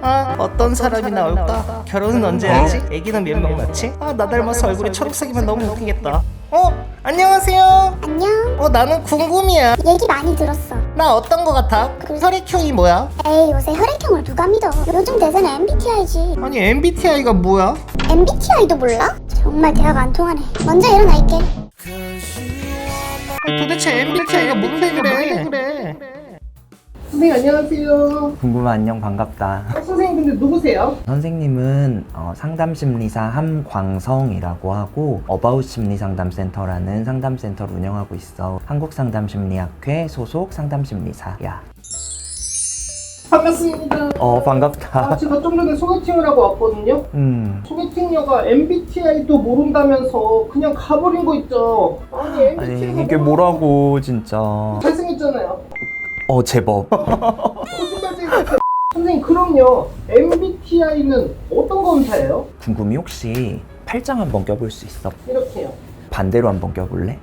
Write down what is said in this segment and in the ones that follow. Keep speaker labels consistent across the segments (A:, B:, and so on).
A: 아, 어떤 사람이 나올까? 결혼은 언제 하지? 애기는 몇 명 낳지? 아, 나 닮아서 얼굴이 초록색이면 너무 웃기겠다. 안녕하세요.
B: 안녕.
A: 나는 궁금이야.
B: 얘기 많이 들었어.
A: 나 어떤 거 같아? 혈액형이 뭐야?
B: 에이, 요새 혈액형을 누가 믿어? 요즘 대세는 MBTI지.
A: 아니, MBTI가 뭐야?
B: MBTI도 몰라? 정말 대화가 안 통하네. 먼저 일어나 있게.
A: 도대체 MBTI가 뭔데 그래? 선생님 안녕하세요.
C: 궁금한 안녕 반갑다.
A: 선생님 근데 누구세요?
C: 선생님은 상담심리사 함광성이라고 하고 어바웃 심리상담센터라는 상담센터를 운영하고 있어. 한국상담심리학회 소속 상담심리사야.
A: 반갑습니다.
C: 반갑다.
A: 제가 좀 전에 소개팅을 하고 왔거든요. 소개팅녀가 MBTI도 모른다면서 그냥 가버린 거 있죠. 아니 MBTI가
C: 이게 뭐라고 진짜.
A: 잘생겼잖아요.
C: 제법.
A: 거짓말쟁이 같아. 선생님 그럼요. MBTI는 어떤 검사예요?
C: 궁금이 혹시 팔짱 한번 껴볼 수 있어?
A: 이렇게요.
C: 반대로 한번 껴볼래?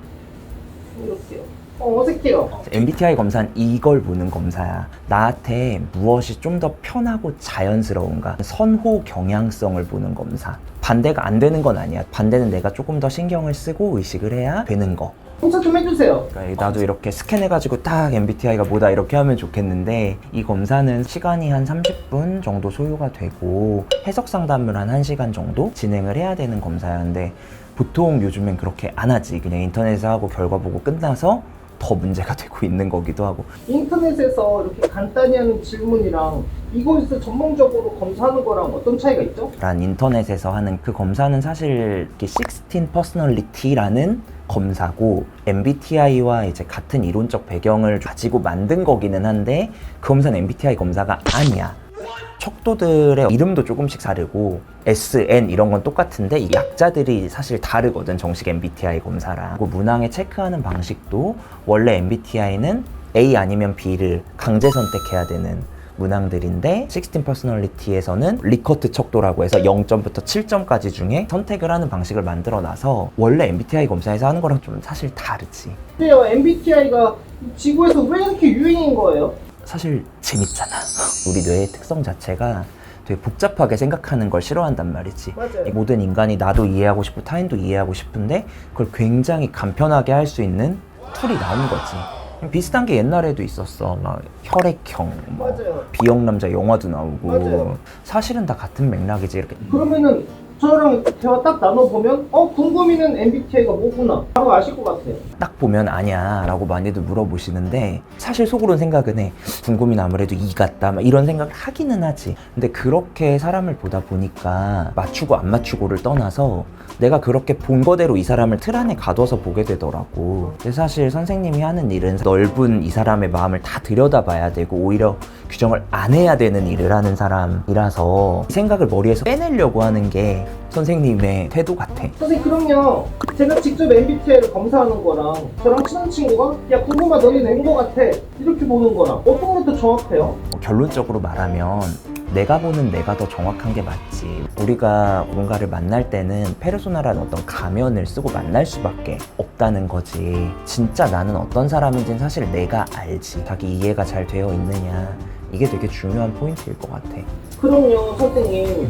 A: 이렇게요. 어색해요.
C: MBTI 검사는 이걸 보는 검사야. 나한테 무엇이 좀 더 편하고 자연스러운가, 선호 경향성을 보는 검사. 반대가 안 되는 건 아니야. 반대는 내가 조금 더 신경을 쓰고 의식을 해야 되는 거.
A: 검사 좀 해주세요.
C: 그러니까 나도 이렇게 스캔해가지고 딱 MBTI가 뭐다 이렇게 하면 좋겠는데, 이 검사는 시간이 한 30분 정도 소요가 되고 해석 상담을 한 1시간 정도 진행을 해야 되는 검사야. 근데 보통 요즘엔 그렇게 안 하지. 그냥 인터넷에서 하고 결과 보고 끝나서 더 문제가 되고 있는 거기도 하고.
A: 인터넷에서 이렇게 간단히 하는 질문이랑 이곳에서 전문적으로 검사하는 거랑 어떤 차이가 있죠?
C: 란 인터넷에서 하는 그 검사는 사실 16 퍼스널리티라는 검사고, MBTI와 이제 같은 이론적 배경을 가지고 만든 거기는 한데 그 검사는 MBTI 검사가 아니야. 척도들의 이름도 조금씩 다르고 SN 이런 건 똑같은데 이 약자들이 사실 다르거든, 정식 MBTI 검사랑. 그리고 문항에 체크하는 방식도 원래 MBTI는 A 아니면 B를 강제 선택해야 되는 문항들인데 16 퍼스널리티에서는 리커트 척도라고 해서 0점부터 7점까지 중에 선택을 하는 방식을 만들어 놔서 원래 MBTI 검사에서 하는 거랑 좀 사실 다르지.
A: 근데요, MBTI가 지구에서 왜 이렇게 유행인 거예요?
C: 사실 재밌잖아. 우리 뇌의 특성 자체가 되게 복잡하게 생각하는 걸 싫어한단 말이지.
A: 맞아요.
C: 모든 인간이 나도 이해하고 싶고 타인도 이해하고 싶은데 그걸 굉장히 간편하게 할 수 있는 툴이 나온 거지. 비슷한 게 옛날에도 있었어. 막 혈액형,
A: 맞아요.
C: B형 남자 영화도 나오고.
A: 맞아요.
C: 사실은 다 같은 맥락이지. 이렇게
A: 그러면은 저랑 대화 딱 나눠보면 궁금이는 MBTI가 뭐구나 바로 아실 것 같아요.
C: 딱 보면 아냐 라고 많이들 물어보시는데, 사실 속으로는 생각은 해. 궁금이는 아무래도 이 같다 막 이런 생각을 하기는 하지. 근데 그렇게 사람을 보다 보니까 맞추고 안 맞추고를 떠나서 내가 그렇게 본 거대로 이 사람을 틀 안에 가둬서 보게 되더라고. 근데 사실 선생님이 하는 일은 넓은 이 사람의 마음을 다 들여다봐야 되고 오히려 규정을 안 해야 되는 일을 하는 사람이라서 생각을 머리에서 빼내려고 하는 게 선생님의 태도 같아.
A: 선생님 그럼요. 제가 직접 MBTI를 검사하는 거랑 저랑 친한 친구가 야 궁금하 너는 낸 거 같아 이렇게 보는 거랑 어떤 게 더 정확해요?
C: 결론적으로 말하면 내가 보는 내가 더 정확한 게 맞지. 우리가 뭔가를 만날 때는 페르소나라는 어떤 가면을 쓰고 만날 수밖에 없다는 거지. 진짜 나는 어떤 사람인지는 사실 내가 알지. 자기 이해가 잘 되어 있느냐, 이게 되게 중요한 포인트일 것 같아.
A: 그럼요 선생님.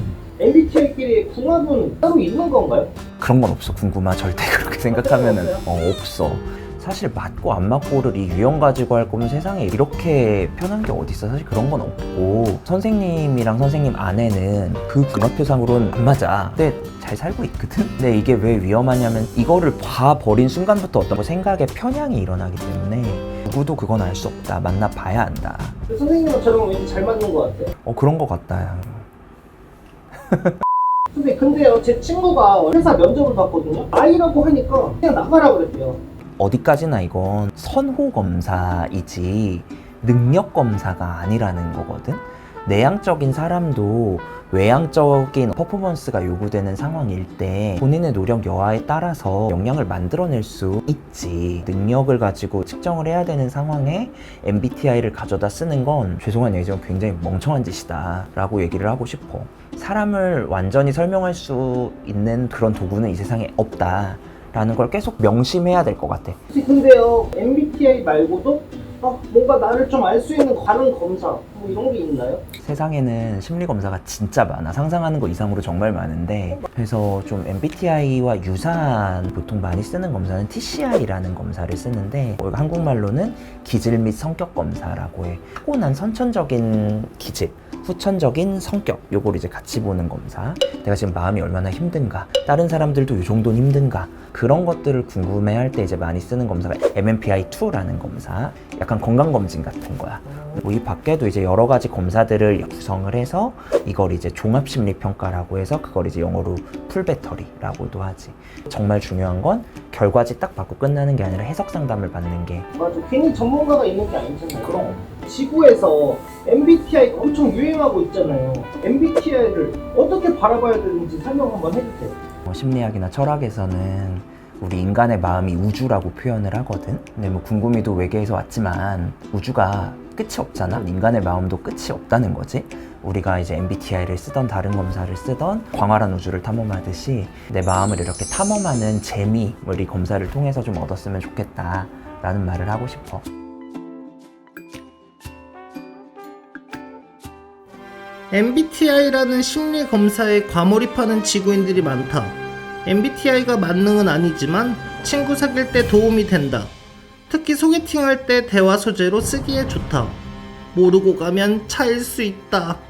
A: MBTI끼리 궁합은 따로 있는 건가요?
C: 그런 건 없어. 궁금하 절대 그렇게 생각하면은 없어. 사실 맞고 안 맞고를 이 유형 가지고 할 거면 세상에 이렇게 편한 게 어딨어. 사실 그런 건 없고, 선생님이랑 선생님 아내는 그 궁합표상으로는 안 맞아. 근데 잘 살고 있거든? 근데 이게 왜 위험하냐면 이거를 봐버린 순간부터 어떤 생각의 편향이 일어나기 때문에 누구도 그건 알 수 없다. 만나봐야 한다.
A: 선생님은 저랑 왠지 잘 맞는 것 같아요.
C: 그런 거 같다 야.
A: 선생님 근데요 제 친구가 회사 면접을 봤거든요. I라고 하니까 그냥 나가라 그랬대요.
C: 어디까지나 이건 선호 검사이지 능력 검사가 아니라는 거거든. 내향적인 사람도 외향적인 퍼포먼스가 요구되는 상황일 때 본인의 노력 여하에 따라서 역량을 만들어낼 수 있지. 능력을 가지고 측정을 해야 되는 상황에 MBTI를 가져다 쓰는 건 죄송한 얘기지만 굉장히 멍청한 짓이다 라고 얘기를 하고 싶어. 사람을 완전히 설명할 수 있는 그런 도구는 이 세상에 없다 라는 걸 계속 명심해야 될 것 같아.
A: 근데요 MBTI 말고도 뭔가 나를 좀 알 수 있는 다른 검사 뭐 이런 게 있나요?
C: 세상에는 심리 검사가 진짜 많아. 상상하는 것 이상으로 정말 많은데, 그래서 좀 MBTI와 유사한 보통 많이 쓰는 검사는 TCI라는 검사를 쓰는데, 한국말로는 기질 및 성격 검사라고 해. 타고난 선천적인 기질, 후천적인 성격, 요걸 이제 같이 보는 검사. 내가 지금 마음이 얼마나 힘든가, 다른 사람들도 이 정도는 힘든가, 그런 것들을 궁금해할 때 이제 많이 쓰는 검사가 MMPI-2라는 검사. 약간 건강검진 같은 거야. 뭐 이 밖에도 이제 여러 가지 검사들을 구성을 해서 이걸 이제 종합심리평가라고 해서 그걸 이제 영어로 풀배터리라고도 하지. 정말 중요한 건 결과지 딱 받고 끝나는 게 아니라 해석 상담을 받는 게.
A: 맞아. 괜히 전문가가 있는 게 아니잖아요. 그럼 지구에서 MBTI가 엄청 유행하고 있잖아요. MBTI를 어떻게 바라봐야 되는지 설명 한번 해주세요.
C: 심리학이나 철학에서는 우리 인간의 마음이 우주라고 표현을 하거든. 근데 뭐 궁금이도 외계에서 왔지만 우주가 끝이 없잖아. 인간의 마음도 끝이 없다는 거지. 우리가 이제 MBTI를 쓰던 다른 검사를 쓰던 광활한 우주를 탐험하듯이 내 마음을 이렇게 탐험하는 재미, 이 검사를 통해서 좀 얻었으면 좋겠다 라는 말을 하고 싶어.
A: MBTI라는 심리 검사에 과몰입하는 지구인들이 많다. MBTI가 만능은 아니지만 친구 사귈 때 도움이 된다. 특히 소개팅할 때 대화 소재로 쓰기에 좋다. 모르고 가면 차일 수 있다.